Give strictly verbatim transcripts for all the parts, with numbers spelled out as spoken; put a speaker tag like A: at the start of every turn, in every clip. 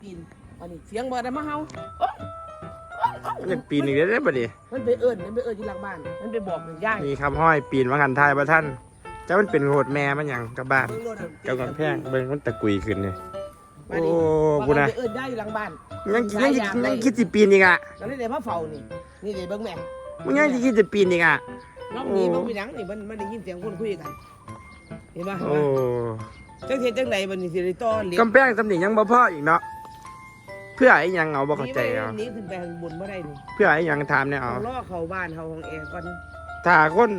A: ปีนวันนี้เสียงบ่ได้มาเฮา
B: มันปีนอีกแล้วได้ป่ะดิ
A: มันไปเอิ้นมันไปเอิ้นอยู่หลังบ้านมันไปบอกมันย่าย
B: มีคำห้อยปีนมาหันทายประท่านเจ้ามันเป็นโหดแม่มันอย่างกับบ้านเจ้ากันแพงเบิ่งมันตะกุยขึ้นเนี่ยโอ้กูนะ
A: ไปเอิ้นย่ายอยู่หลังบ้าน
B: ยังยังยังคิดจะปีนอีกอ่ะ
A: แล้วนี่เดี๋ยวมาเฝ้านี่นี่เดี๋ยวเบิ่งแม่
B: มึงยังคิดจะปีนอีกอ่ะ
A: น้องนี่มันเป็นหยังนี่มันมันได้ยินเสียงคนคุยกันเห็นป่ะ
B: โอ้
A: จังเฮ็ดจังไดบัดนี้สิได้ต่อเหล็ก
B: กำแพงสำนียังบ่พออีกเนาะเพื่อไอ้ยังเอาบ่เข้าใจเอา
A: นี่ขึ้นไปข้างบนบ่ได้นี่
B: เพื่อไอ้ยังถามเนี่ยเอา
A: ล้อเข้าบ้านเข้าห้องแอร์ก่อน
B: ถ้าคน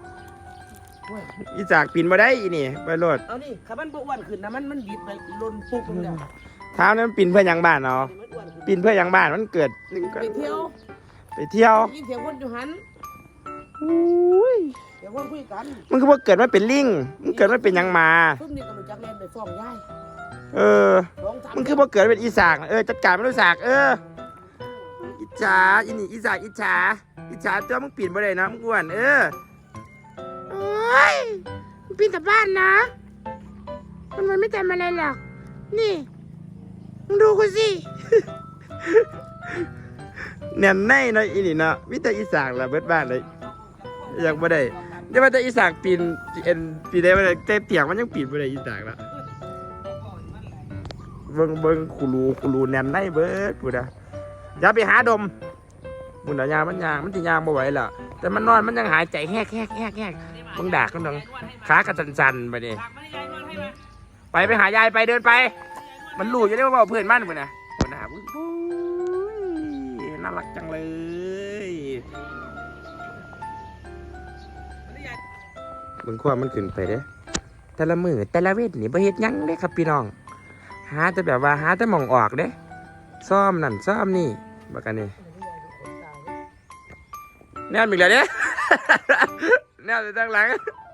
B: อีจากปีนบ่ได้อีนี่ไปโลด
A: เอานี่ถ้ามันบ่อ้วนขึ้นนะมันมันบิดไปลนปุ๊บลงแล้ว
B: ถามนั้นปีนเพื่อยังบ้านเนาะปีนเพื่อยังบ้านมันเกิด
A: ไปเที่ยว
B: ไปเที่ยว
A: ยินเสียงคนอยู่หัน
B: อุ้ย
A: เสียงคนคุยกัน
B: มันคือว่าเกิดมาเป็นลิงมันเกิดมาเป็นยังมา
A: ซุ่มนี่ก็รู้จักแล่นไปฟ้องยาย
B: เออมันคือว่าเกิดเป็นอีสากเออจัดการไม่รู้สากเอออิจฉาอินี่อีสากอิจฉาอิจฉาตัวมึงปีนบ่ได้นะมึงอ้วนเออโอ้ยมึงปีนแต่บ้านนะมันมันไม่ทำอะไรหรอกนี่มึงดูกูสิแน่นแน่เนาะอีนี่เนาะมิแต่อีสากละเบิดบ้านเลยอยากบ่ได้เดี๋ยวมันจะอีสากปีนเอ็นปีนได้บ่ได้แต่เตียงมันยังปีนบ่ได้อีสากละเบิ่งเบิ่งคูรูคูรูแน่นในเบิดพูดนะอย่าไปหาดมบุญยามันยางมันสิยางบ่ไหวแล้วแต่มันนอนมันยังหายใจแฮกแฮกแฮกแฮกมึงด่ากันดังขากระสันๆไปดิไปไปหายายไปเดินไปมันรู้อยู่ได้ว่าเพื่อนมันพุ่นน่ะพุ่นน่ะน่ารักจังเลยเบิ่งความมันขึ้นไปเด้แต่ละมือแต่ละเวทนี่บ่เฮ็ดหยังเด้ครับพี่น้องหาแต่แบบว่าหาแต่มองออกเด้ซ่อมนั่นซ่อมนี่บักกันนี่แนวมีอะไรเด้แนวอยู่ด้านหลัง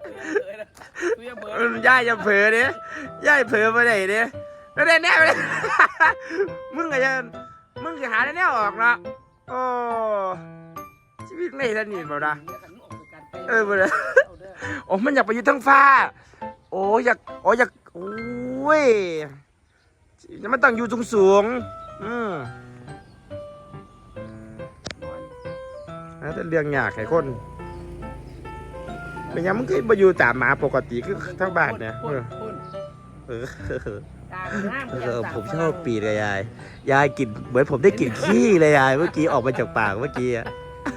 B: ย่ายจะเผลอเด้ย่ายเผลอไปไหนเด้แล้วได้แนวเลยมึงก็จะมึงจะหาได้แนวออกเนาะโอ้ชีวิตไม่ทันนี่บ่นะเออบ่นะโอ้มันอยากไปอยู่ทั้งฟ้าโอ้อยากโอ้อยากโอ้ยมันต้องอยู่สูงสูงอืมแต่เรื่องยากไอ้คนเป็นยังมึงเคยมาอยู่ตามหมาปกติคือทั้งบ้านเนี่ยเออเออเออผมชอบปีเลยยายยายกินเหมือนผมได้กลิ่นขี้เลยยายเมื่อกี้ออกมาจากปากเมื่อกี้อะ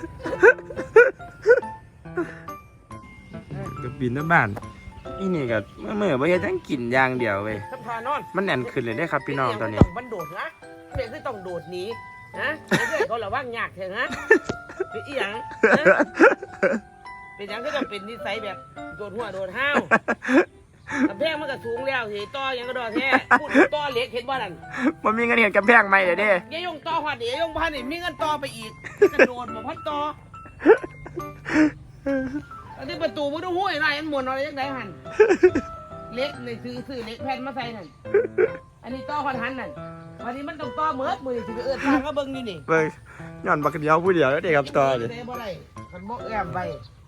B: ก็ปีนทั้งบ้านนี่นี่ก็เมื่อเมื่อไม่ใช่ทั้งกลิ่นยางเดียวเว้ยมันแน่นขึ้นเลยได้ครับพี่น้องตอนนี้
A: มันโดดนะเด็กคือต้องโดดหนีนะเด็กเขาระวังยากเถอะนะเป็นอีหยังเป็นหยังก็ต้องเป็นนิสัยแบบโดดหัวโดดห้าวกำแพงมันก็สูงแล้วสิต่อยังก็ดอแท้พูดต่อเล็กเห็นบ่นั่น
B: มันมีเงินเห็นกำแพงไหมเดี๋ยวดิ
A: ยายยงต่อหัดเดี๋ยวยงพันนี่มีเงินต่อไปอีกกระโดดมาพัดต่ออันนี้ประตูมันต้องห้วยไรอันหมุนอะไรยังไงหันเล็กในซื้อซื้อเล็กแผ่นมาใส่นั่นอันนี้ต่อพันหันนั่นวันนี้มันต้องต่อเมื่อมือถือเอื้อทางก็เบิ้งอยู่นี่
B: เบิ้งย้อนบักเดียวผู้เดียวแล้วเด็กครับต่อเลย
A: คันบอกแอมไป